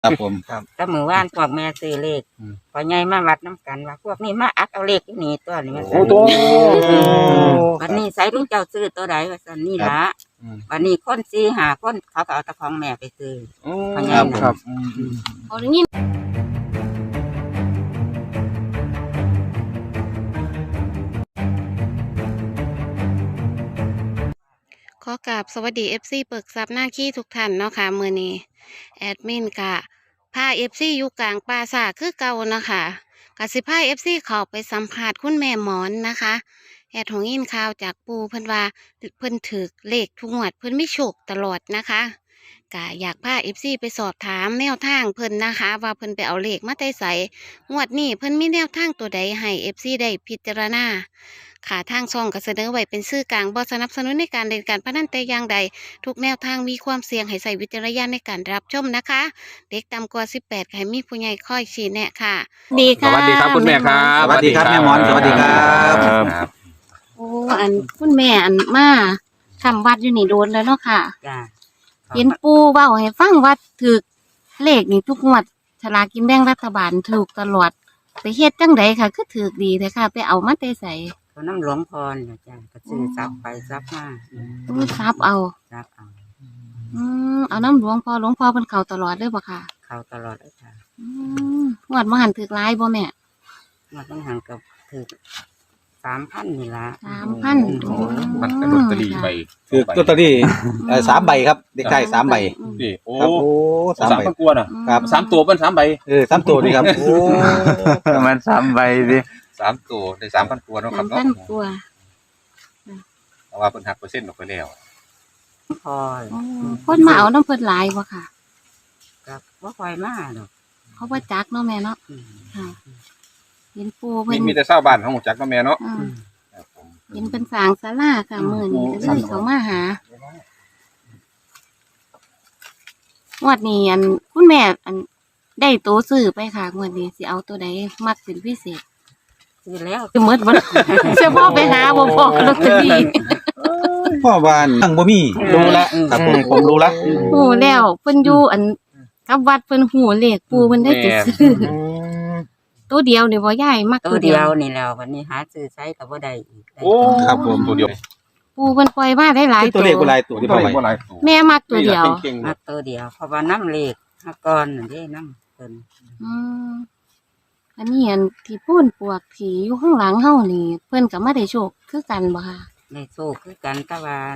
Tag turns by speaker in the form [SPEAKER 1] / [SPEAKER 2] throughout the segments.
[SPEAKER 1] ครับผมครับ
[SPEAKER 2] ก็มือว่านพวกแม่ซื้อเลขพอใหญ่มาวัดน้ำกันว่าพวกนี้มาอักเอาเลขที่นี่ตัวนี้มาสั่นวันนี้ใส่ลุงเจ้าซื้อตัวใดว่าสั่นนี่ละวันนี้คนซีหาคนเขาก็เอาตะของแม่ไปซื้อพอใหญ่นะครับพออย่างนี้
[SPEAKER 3] ขอกราบสวัสดี FC เปิกซับหน้าขี้ทุกท่านเนาะค่ะมือนี้แอดมินกะพา FC อยู่กลางป่าสาคือเก่านะคะกสิพา FC เข้าไปสัมภาษณ์คุณแม่หมอนนะคะแอดของยินข่าวจากปูเพิ่นว่าเพิ่นถือเลขทุกงวดเพิ่นไม่โชคตลอดนะคะกะอยากพา FC ไปสอบถามแนวทางเพิ่นนะคะว่าเพิ่นไปเอาเลขมาแต่ไสงวดนี้เพิ่นมีแนวทางตัวใดให้ FC ได้พิจารณาค่ะทางช่องก็เสนอไว้เป็นสื่อกลางบ่สนับสนุนในการเล่นการพนันแต่อย่างใดทุกแนวทางมีความเสี่ยงให้ใส่วิจารณญาณในการรับชมนะคะเด็กต่ำกว่า18ให้มีผู้ใหญ่คอยชี้แนะค่ะดีค่ะ
[SPEAKER 4] สวัสดีครับคุณแม่ครับ
[SPEAKER 1] สวัสดีครับแม่หมอนสวัสดีครับ
[SPEAKER 3] โอ้อันคุณแม่อันมาทำวัดอยู่นี่โดนแล้วเนาะค่ะ
[SPEAKER 2] จ้า
[SPEAKER 3] เห็นปูเว้าให้ฟังว่าถือเลขนี่ทุกงวดฉลากกินแบ่งรัฐบาลถูกตลอดไปเฮ็ดจังไดค่ะคือถือดีเลยค่ะ ไปเอามาแต่ไส
[SPEAKER 2] เขาน้ำหลวงพรนะจ้าก็ซื้อซับไปซับมา
[SPEAKER 3] ตู้ซับเอา
[SPEAKER 2] ซับเอา
[SPEAKER 3] เอาน้ำหลวงพ่อเพิ่นเข้าตลอดเลยบ่ค่ะ
[SPEAKER 2] เขาตลอดเลยจ้าง
[SPEAKER 3] วดมาหันถือหลายบ่แม่
[SPEAKER 2] มาต้องห่างกับถือ3,000นี่ละ
[SPEAKER 3] 3,000
[SPEAKER 4] มันกระโดดตะลีไป
[SPEAKER 1] คือตัวตอนนี้3 ใบครับเด็กชาย3 ใบ
[SPEAKER 4] นี่โอ้
[SPEAKER 1] ครับโอ้
[SPEAKER 4] สาม
[SPEAKER 1] 3 ใบ
[SPEAKER 4] พันกว่าน่ะ
[SPEAKER 1] ครับ
[SPEAKER 4] สามตัวเป็น3 ใบ
[SPEAKER 1] 3 ตัวนี่ครับโอ้
[SPEAKER 5] ประมาณ3 ใบสิ
[SPEAKER 4] 3 ตัวได้3,000กว่าเนาะครับเนาะ
[SPEAKER 3] 3,000กว่า
[SPEAKER 4] แต่ว่าเพิ่นหักเปอร์เซ็นต์ออกไปแล้ว
[SPEAKER 2] พอ
[SPEAKER 3] คนมาเอาน้ำเพิ่นหลายบ่ค่ะ
[SPEAKER 2] กับว่าคอยมาดอก
[SPEAKER 3] เขาบ่จักเนาะแม่เนาะ
[SPEAKER 2] อืม
[SPEAKER 3] ค่ะเห็นปูเพิ่น
[SPEAKER 4] มีแต่ชาวบ้านของจักเนาะแม่เนาะ
[SPEAKER 3] ครับผมเห็นเป็นสร้างศาลาค่ะมื้อนี้ก็เลยเขามาหางวดนี้อันคุณแม่อันได้ตัวซื้อไปค่ะงวดนี้สิเอาตัวใดมักเป็นพิเศษ
[SPEAKER 2] ซื้อแล้ว
[SPEAKER 3] คือหมดบ่ เฉพาะไปหาบ่พอลอตเตอรี่
[SPEAKER 1] พ่อบ้านตั้งบ่มีรู้แล้วครับผมรู้แล้ว
[SPEAKER 3] ฮู้แล้วเพิ่นอยู่อันกับวัดเพิ่นฮู้เลขปูเพิ่นได้จะซื้อตัวเดียวนี่บ่ยายมัก
[SPEAKER 2] ตั
[SPEAKER 3] ตัว ว
[SPEAKER 2] เดี
[SPEAKER 3] เดี
[SPEAKER 2] ย
[SPEAKER 3] ยว ว
[SPEAKER 2] นี่แล้ววันนี้หาซื้อใช้กับว่าได้อีกได้
[SPEAKER 4] โอ้
[SPEAKER 1] ครับผม
[SPEAKER 4] ตัวเดียว
[SPEAKER 3] ปูเพิ่นปล่อยมาได้หลาย
[SPEAKER 1] ตัวเลขบ่หลายตัวที่
[SPEAKER 4] ตัว
[SPEAKER 1] พ่อ
[SPEAKER 4] เล็
[SPEAKER 1] ไว้
[SPEAKER 4] กบ่หลายตัว
[SPEAKER 3] แม่มักตัวเดียว
[SPEAKER 4] เก่งๆ
[SPEAKER 2] มา
[SPEAKER 4] เนาะ
[SPEAKER 2] ตัวเดียวเพราะว่าน้ำเลขหักก้อนนั่นเด้น้ำเพิ่น
[SPEAKER 3] อืมอันนี้อันที่พูนปวกที่อยู่ข้างหลังเฮานี่ เพิ่นก็มาได้โชคคือกันบ่ค่ะ
[SPEAKER 2] ในโซ่คือกันตะวัน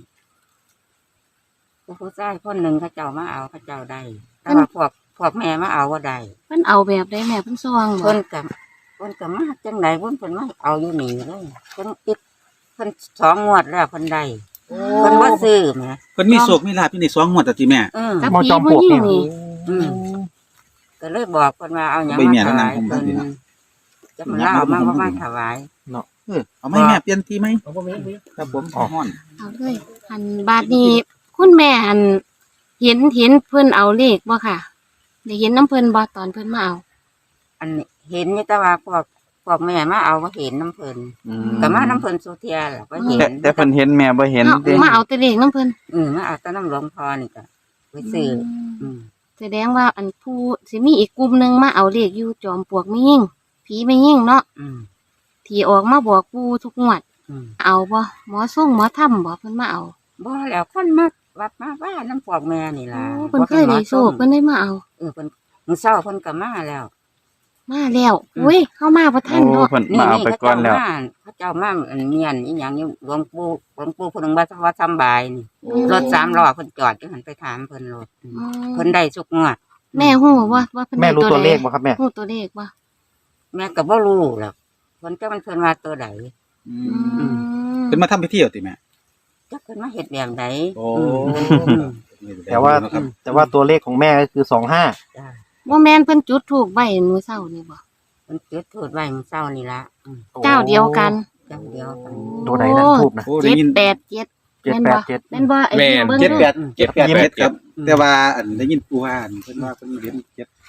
[SPEAKER 2] ผู้ชายคนหนึ่งเขาเจ้ามาเอาเขาเจ้าได้แต่ว่าพวกแม่มาเอาว่าได้
[SPEAKER 3] เพิ่นเอาแบบใดแม่เพิ่นซองบ่
[SPEAKER 2] เพิ่นกับมาจังไดเพิ่นมาเอาอยู่นี่เลยเพิ่นอิดเพิ่น2 งวดแล้วเพิ่นได้เพิ่นบ่ซื้อแหม
[SPEAKER 1] เพิ่นมีโชคมีลาภอยู่ใน2 งวดแต่ที่แม่
[SPEAKER 3] กับผีผู้หญิงนี่
[SPEAKER 2] อืมก็เลยบอกเพิ่นว่าเอาหยัง
[SPEAKER 1] ใบ
[SPEAKER 2] มา
[SPEAKER 1] เมีย
[SPEAKER 2] ถ
[SPEAKER 1] แล้วนั่
[SPEAKER 2] วาง ย
[SPEAKER 1] ผม
[SPEAKER 2] เพิ่น
[SPEAKER 1] นี่นะ
[SPEAKER 2] จะมาเล่ามาว่ามาถวาย
[SPEAKER 1] เอาไหมแม่เปลี่ยนที่ไหมครับผมฮ้อน
[SPEAKER 3] เอาเลยอันบาดนี้คุณแม่อันเห็นเพิ่นเอาเลขบ่ค่ะได้เห็นน้ำเพิ่นบ่ตอนเพิ่นมาเอา
[SPEAKER 2] อันนี้เห็นอยู่แต่ว่าพวกแม่มาเอาบ่เห็นน้ำเพิ่นก็มาน้ำเพิ่นสุเทียแหละบ่เห็น
[SPEAKER 5] แต่เพิ่นเห็นแม่บ่เห็น
[SPEAKER 3] เอา
[SPEAKER 5] ติ
[SPEAKER 3] มาเอาแต่เลขน้ำเพิ่น
[SPEAKER 2] มาเอาแต่น้ำหลวงพ่อนี่ก็ไปซื้ออืม
[SPEAKER 3] แสดงว่าอันผู้สิมีอีกกลุ่มหนึงมาเอาเลขอยู่จอมปลวกไม่ยิ่งผีไม่ยิ่งเนาะ
[SPEAKER 2] อืม
[SPEAKER 3] ที่ออกมาบอกปูทุกงวด
[SPEAKER 2] อืม
[SPEAKER 3] เอาบ่หมอส่งหมอถ้ำบ่เพิ่นมาเอา
[SPEAKER 2] บ่แล้วคนมาวัดมาว่าน้ำพวกแม่นี่ล่ะ
[SPEAKER 3] โอ้เพิ่นเคยได้โชคเพิ่นได้มาเอา
[SPEAKER 2] เพิ่นมื้อเช้าเพิ่นก็มาแล้ว
[SPEAKER 3] มาแล้วอุ้ยเข้ามาบ่ทัน
[SPEAKER 5] โอ้
[SPEAKER 3] เนาะ
[SPEAKER 5] เพิ่นมาเอาไปก่อนแล้ว
[SPEAKER 2] เขาเจ้ามาอันเมียนอีหยังอยู่หลวงปู่ผู้นึงว่าสำบายนี่รถ3 ล้อเพิ่นจอดอยู่หันไปถามเพิ่นรถเพิ่นได้ทุกงวด
[SPEAKER 3] แม่ฮู้ว่าเพิ่น
[SPEAKER 5] แม่
[SPEAKER 3] ได้
[SPEAKER 5] รู้
[SPEAKER 3] ตัว
[SPEAKER 5] ตัว
[SPEAKER 3] ใด
[SPEAKER 5] เลขบ่ครับแม่
[SPEAKER 3] ฮู้ตัวเลขบ่
[SPEAKER 2] แม่ก็บ่รู้หรอกเพิ่นจะมันเพิ่นว่าตัวใด
[SPEAKER 1] เพิ่นมาทำพิธีเอาติแม่
[SPEAKER 2] จักเพิ่นมาเฮ็ดแบบใด
[SPEAKER 1] โอ้
[SPEAKER 5] แต่ว่าตัวเลขของแม่ก็คือ25
[SPEAKER 2] จ้า
[SPEAKER 3] บ่แม่นเพิ่นจุดธูปไว้มื้อเช้านี่บ่
[SPEAKER 2] เพิ่นจุดธูปไว้มื้อเช้านี่ล่ะ
[SPEAKER 3] เจ้าเดียวกัน
[SPEAKER 2] จังเดียวกัน
[SPEAKER 5] ตัวไหนนะทูบนะ
[SPEAKER 1] โอ้ได้ยิน
[SPEAKER 3] 787แม่นบ่
[SPEAKER 5] 787
[SPEAKER 3] แม่นบ่ไอ้
[SPEAKER 4] แม่น
[SPEAKER 3] เบิ่ง
[SPEAKER 1] เจ็ด
[SPEAKER 3] ดู
[SPEAKER 1] แปดเจ็ดแปดเจ็ดครับ แต่ว่าอันได้ยินปู่ว่าอันเพิ่นว่าเพิ่นเรียน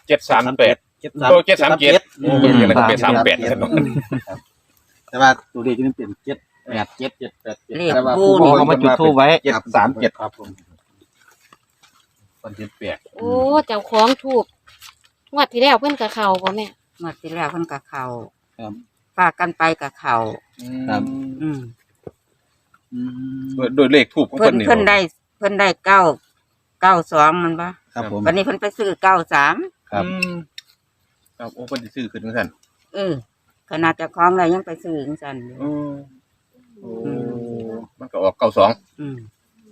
[SPEAKER 4] 738โอ้737โอ้เพิ่นก็เป็น38ซั่นเนาะ
[SPEAKER 1] แต่ว่าตัวเลขนี่เป็น787
[SPEAKER 2] เลข
[SPEAKER 1] แต่ว่า
[SPEAKER 2] ปู่
[SPEAKER 1] ปู่
[SPEAKER 2] นี่
[SPEAKER 5] เขามาจุดธูปไว้
[SPEAKER 1] 737ครับผม
[SPEAKER 4] วันที่แปด
[SPEAKER 3] โอ้เจ้าของถูกงวดที่แล้วเพิ่นกับเขาบ่แม่
[SPEAKER 2] เมื่อที่แล้วเพิ่นกับเขา
[SPEAKER 1] ครับ
[SPEAKER 2] ฝากกันไปกับเขา
[SPEAKER 1] ครับ
[SPEAKER 2] อืม
[SPEAKER 4] โดยเลขทูบของ
[SPEAKER 2] เพิ่
[SPEAKER 4] เพิ่
[SPEAKER 2] น
[SPEAKER 4] นนี่
[SPEAKER 2] เพิ่นได้992มันปะ
[SPEAKER 1] ครับผม
[SPEAKER 2] วันนี้เพิ่นไปซื้อ93
[SPEAKER 1] ครับ
[SPEAKER 4] ครับโอ้เพิ่นสิซื้อขึ้นจังซั่น
[SPEAKER 2] ขนาดเจ้าของเลยยังไปซื้อจังซั่นอยู่
[SPEAKER 4] โอ้มันก็ออก92
[SPEAKER 2] อืม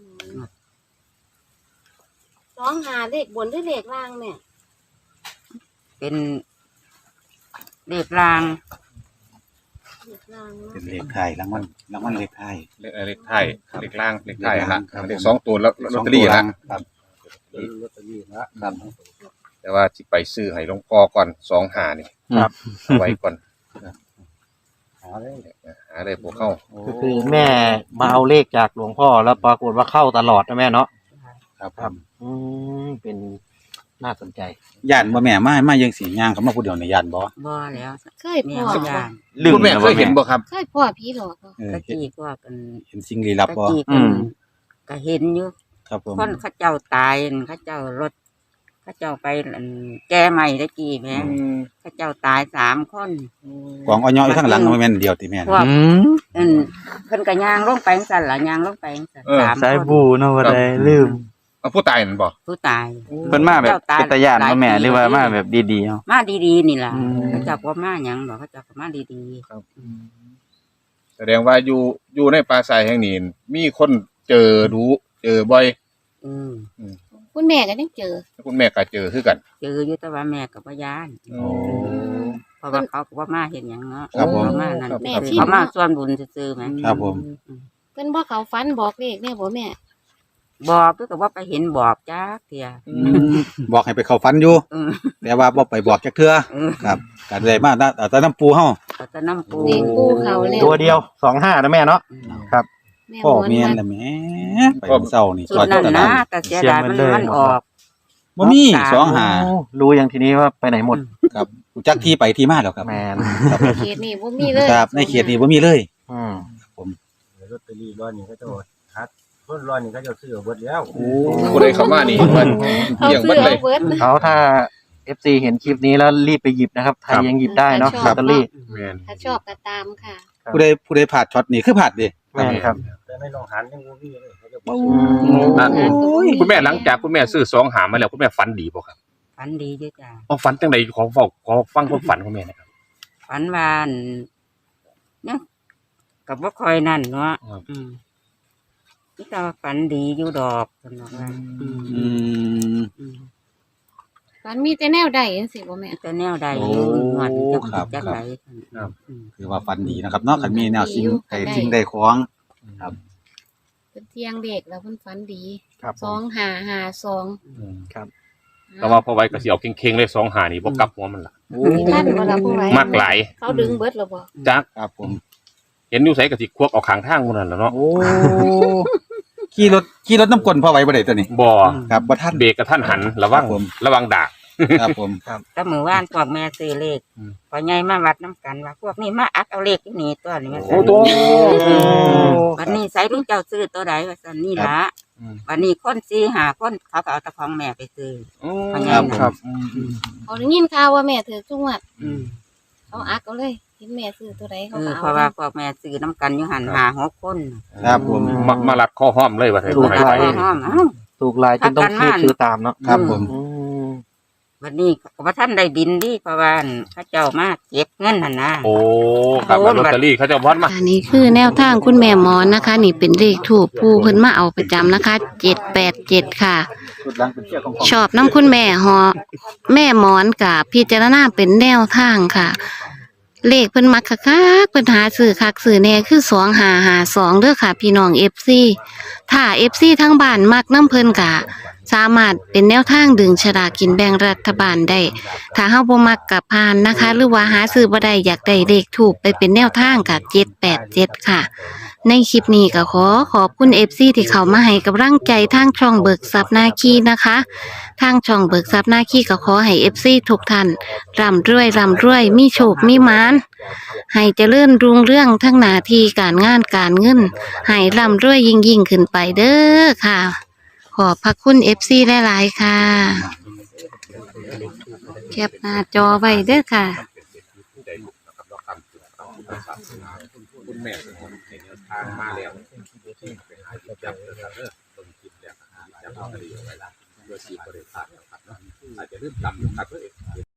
[SPEAKER 3] 25เลขบนหรือเลขล่างแม่
[SPEAKER 2] เป็นเลขราง
[SPEAKER 3] เลขล่าง
[SPEAKER 1] เป็นเลขไทยรางวัลเลขไทย
[SPEAKER 4] เลขไทยเลขล่างเลขไทยละเลข2ตัวแล้วลอตเตอรี่ละ
[SPEAKER 1] ครับ
[SPEAKER 5] ลอตเตอรี่นะครับ
[SPEAKER 4] แต่ว่าสิไปซื้อให้หลวงพ่อก่อน25นี่
[SPEAKER 5] ครับ
[SPEAKER 4] เอาไว้ก่อน
[SPEAKER 5] หาเลย
[SPEAKER 4] หาได้บ่เข้า
[SPEAKER 5] ก็คือแม่มาเอาเลขจากหลวงพ่อแล้วปรากฏว่าเข้าตลอดนะแม่เนาะ
[SPEAKER 1] ครับ
[SPEAKER 5] ครับ เป็นน่าสนใจ
[SPEAKER 1] ย่านบ่แม่มายังสิย่างเขามาผู้เดียวในย่านบ่
[SPEAKER 2] บ่แล้ว
[SPEAKER 3] เคย
[SPEAKER 2] เนี่
[SPEAKER 3] พ่
[SPEAKER 2] ย
[SPEAKER 3] อ
[SPEAKER 2] สักอ
[SPEAKER 3] บ่
[SPEAKER 2] ย่าง
[SPEAKER 4] คุณแม่เคยเห็นบ่ครับ
[SPEAKER 3] เคยพ่อผีหลอกบ่
[SPEAKER 1] เออ
[SPEAKER 2] ตะกี้ก็กัน
[SPEAKER 1] เห็นสิ่งลี้ลับบ่
[SPEAKER 2] ตะกี้
[SPEAKER 5] อื
[SPEAKER 2] กัน
[SPEAKER 5] ม
[SPEAKER 2] ก็เห็นอยู่
[SPEAKER 1] ครับผม
[SPEAKER 2] คนเขาเจ้าตายเขาเจ้ารถเขาเจ้าไปแก้ใหม่ตะกี้แหม่เขาเจ้าตาย3 คน
[SPEAKER 1] กองอ้อยอยู่ข้างหลังบ่แม่นเดียวติแม่
[SPEAKER 2] พว
[SPEAKER 1] นะ
[SPEAKER 2] กเพิ่นก็ย่างลงไปจังซั่นล่ะย่างลงไปจังซั่น
[SPEAKER 4] เออ
[SPEAKER 2] 3
[SPEAKER 6] สาย
[SPEAKER 2] คน
[SPEAKER 6] บูเนาะว่าได้ลืม
[SPEAKER 4] เอาผู้ตายนั่นบ่
[SPEAKER 2] ผู้ตาย
[SPEAKER 6] เพิ่นมาแบบ
[SPEAKER 2] จ้ต
[SPEAKER 6] เป็นตาย่าน
[SPEAKER 2] หล
[SPEAKER 6] บ่แม่
[SPEAKER 2] ปี
[SPEAKER 6] หรือว่ามาแบบดีๆเนาะ
[SPEAKER 2] มาดีๆนี่ล่ะ
[SPEAKER 6] อืม
[SPEAKER 2] เขาเจ้าบ่มาหยังดอกเขาเจ้าก็มาดี
[SPEAKER 4] แสดงว่าอยู่ในปราสาทแห่งนี้มีคนเจอรู้เจอบ่อย
[SPEAKER 2] ๆอืม
[SPEAKER 3] คุณแม่ก็ยังเจอ
[SPEAKER 4] คุณแม่ก็เจอคือกัน
[SPEAKER 2] เจออยู่แต่ว่าแม่ก็บ่ย้าน
[SPEAKER 1] โอ้
[SPEAKER 2] เพราะว่าเขาก็บ่มาเฮ็ดหยังเนาะ
[SPEAKER 1] ครับผม
[SPEAKER 2] เขามานั่น
[SPEAKER 3] แม่
[SPEAKER 4] ครับ
[SPEAKER 3] ชิม
[SPEAKER 2] เขามา
[SPEAKER 3] เนาะ
[SPEAKER 2] ส่วนบุญซื่อๆแหม
[SPEAKER 1] ครับผม
[SPEAKER 3] เพิ่นบ่เขาฝันบอกเลขแม่บ่แม่
[SPEAKER 2] บอกคือก็บ่ไปเห็นบอกจักเที่ย
[SPEAKER 1] บอกให้ไปเข้าฝันอยู่
[SPEAKER 2] อืม
[SPEAKER 1] แต่ว่าบ่ไปบอกจักเทื่อ
[SPEAKER 2] อืม
[SPEAKER 1] ครับก็ได้มาแต่น้ำปูเฮา
[SPEAKER 2] เขาจะน้ำปู
[SPEAKER 3] เลขปูเขาแล้ว
[SPEAKER 5] ตัวเดียว25นะแม่เนาะ ครับ
[SPEAKER 3] แม่
[SPEAKER 1] พ่อ
[SPEAKER 3] หมอน
[SPEAKER 1] เมียน
[SPEAKER 3] มา
[SPEAKER 1] ล่ะแหม่ไปเช้านี่
[SPEAKER 2] สุดนั่น
[SPEAKER 1] ต
[SPEAKER 2] นะ
[SPEAKER 1] ลาด
[SPEAKER 2] แต่เสียดายมันออก
[SPEAKER 1] บ่มี
[SPEAKER 2] สอง
[SPEAKER 1] 2
[SPEAKER 5] โอ้รู้อย่างทีนี้ว่าไปไหนหมด
[SPEAKER 1] ครับรู้จักที่ไปที่มาแล้วครับ
[SPEAKER 5] แมน
[SPEAKER 1] ครับ
[SPEAKER 3] เขตนี่บ่มีเลย
[SPEAKER 1] ครับในเขตนี้บ่มีเลย
[SPEAKER 5] อืม
[SPEAKER 7] ลอตเตอรี่ร้อยนี่ก็จะฮัดต้นร้อยนี่ก็จะซื้อเบิดแล้ว
[SPEAKER 4] ผู้ใดเข้ามานี่มัน
[SPEAKER 3] เอา
[SPEAKER 4] เกี่ยง
[SPEAKER 3] ซื้
[SPEAKER 4] เบั
[SPEAKER 3] อ
[SPEAKER 4] ดเล
[SPEAKER 3] เอา
[SPEAKER 4] ย
[SPEAKER 3] เบิด
[SPEAKER 5] เอาถ้า FC เห็นคลิปนี้แล้วรีบไปหยิบนะครับใครยังหยิบได้เนาะ
[SPEAKER 3] ค
[SPEAKER 5] ล
[SPEAKER 3] รั
[SPEAKER 5] อบ ตเตอรี่
[SPEAKER 4] แม่น
[SPEAKER 3] ถ้าชอบก็ตามค่ะ
[SPEAKER 1] ผู้ใดพลาดช็อตนี้คือพลาดเด้
[SPEAKER 5] แม่นครับ
[SPEAKER 7] แต่ในโรงหันยังบ่มีเลยเขาจะ
[SPEAKER 1] โอ้
[SPEAKER 4] คุณแม่หลังจากคุณแม่ซื้อ2หามาแล้วคุณแม่ฝันดีบ่ครับ
[SPEAKER 2] ฝันดีอยู่จ้ะ
[SPEAKER 4] อ๋อฝันจังไดขอฟังความฝันของแม่นะครับ
[SPEAKER 2] ฝันวาอั่นเนี่ยกับว่าคอยนั่นเนาะ
[SPEAKER 4] ครับ
[SPEAKER 2] นี่แต่ว่าฝันดีอยู่ดอกสำหรับว่า
[SPEAKER 1] อืม
[SPEAKER 3] ฝันมีแต่แนวใดจังซี่บ่แม่
[SPEAKER 2] แต่แนวใดอยู่
[SPEAKER 1] โอ้
[SPEAKER 2] หวดจะ
[SPEAKER 1] ครับ
[SPEAKER 2] จัก
[SPEAKER 1] ครับ
[SPEAKER 2] ไหน
[SPEAKER 1] คือว่าฝันดีนะครับเนาะคันมีแนวสิ่งใดของ
[SPEAKER 3] เพิ่นเที่ยงเด็กแล้วเพิ่นฝันดี
[SPEAKER 5] ครับผม
[SPEAKER 3] 2552
[SPEAKER 5] ครับ
[SPEAKER 4] แต่ว่าพอไว้ก็สิเอาเข่งๆเลย2หานี่บ่กลับหัวมันล่ะ
[SPEAKER 3] มีท่านบ่ล่ะผู้ไว้
[SPEAKER 4] มากหลาย
[SPEAKER 3] เขาดึงเบิดแล้วบ่
[SPEAKER 4] จัก
[SPEAKER 1] ครับผม
[SPEAKER 4] เห็นอยู่ไสก็สิควักเอาข้างทางพุ่นนั่นแหละเนาะ
[SPEAKER 1] โอ้ขี่รถน้ำกลนพ่อไว้บ่ได้ตัวนี้
[SPEAKER 4] บ่
[SPEAKER 1] ครับบ่ทัน
[SPEAKER 4] เบรกกระทันหันระวัง
[SPEAKER 1] ครับผม
[SPEAKER 4] ระวังดาก
[SPEAKER 1] ครับผม
[SPEAKER 2] ก็มือว่านพวกแม่ซื้อเลข
[SPEAKER 4] อืม
[SPEAKER 2] พอใหญ่มาวัดน้ำกันว่าพวกนี้มาอักเอาเลขที่นี่ตัวนี้มา
[SPEAKER 4] โอ้ตัว
[SPEAKER 2] วันนี้ใส่ลุงเจ้าซื้อตัวใดว่าสันนี่ละ
[SPEAKER 4] อืม
[SPEAKER 2] วันนี้คน4-5คนเขาก็เอาตะของแม่ไปซื้อ พอใหญ่
[SPEAKER 1] ครับ
[SPEAKER 2] น่ะ
[SPEAKER 1] ครับ
[SPEAKER 3] เอาได้ยินข่าวว่าแม่ถือทุกงวด
[SPEAKER 2] อืม
[SPEAKER 3] เอาอักเอาเลยเห็นแม่ซื้อตัวใดเขาก็
[SPEAKER 2] เพ
[SPEAKER 3] เอา
[SPEAKER 2] ราะว่าพวกแม่ซื้อน้ำกันอยู่หัน5-6คน
[SPEAKER 1] ครับผม
[SPEAKER 4] มารัดข้อห้อมเลยว่าไทย
[SPEAKER 5] ถูก
[SPEAKER 4] ไทย
[SPEAKER 5] หลาย
[SPEAKER 2] ห้องเอ้า
[SPEAKER 5] ถูกลายจนต้องคีบซื้อตามเนาะ
[SPEAKER 1] ครับผม
[SPEAKER 5] อืม
[SPEAKER 2] วันนี้ก็บ่ท่านได้ดินดิเพราะว่าเขาเจ้ามาเก็บเงินหั่นนะ
[SPEAKER 4] โอ้ครับแล้วลอตเตอรี่เขาจะพอดมา
[SPEAKER 3] อันนี้คือแนวทางคุณแม่หมอนนะคะ นี่เป็นเลขถูกผู้เพิ่นมาเอาประจำนะคะ787ค่ะ
[SPEAKER 1] ชุดหลังเป็นเชือกของ
[SPEAKER 3] ชอบน้ำคุณแม่แม่หมอนกับพิจารณาเป็นแนวทางค่ะ เลขเพิ่นมักคักๆเพิ่นหาซื้อคักซื้อแน่คือ2552เด้อค่ะ พี่น้อง FC ถ้า FC ทั้งบ้านมักน้ำเพิ่นกะสามารถเป็นแนวทางดึงฉลากกินแบ่งรัฐบาลได้ ถ้าเฮาบ่มักกับผ่านนะคะ หรือว่าหาซื้อบ่ได้อยากได้เลขถูกไปเป็นแนวทางกับ787ค่ะ ในคลิปนี้ก็ขอบคุณ FC ที่เข้ามาให้กำลังใจทางช่องเบิกทรัพย์นาคีนะคะ ทางช่องเบิกทรัพย์นาคีก็ขอให้ FC ทุกท่านร่ำรวยมีโชคมีหมานให้เจริญรุ่งเรื่องทั้งหน้าที่การงานการเงินให้ร่ำรวยยิ่งขึ้นไปเด้อค่ะ ขขอบพระคุณ FC หลายๆค่ะแคปหน้าจอไว้เด้อค่ะ
[SPEAKER 4] คุณแม่ในแนวทางมาแล้วไปหาจับนะครับต้นคิดแล้วจับเอาคดีเอาไว้ละเพื่อสีบริษัทนะครับอาจจะเริ่มต่ำครับ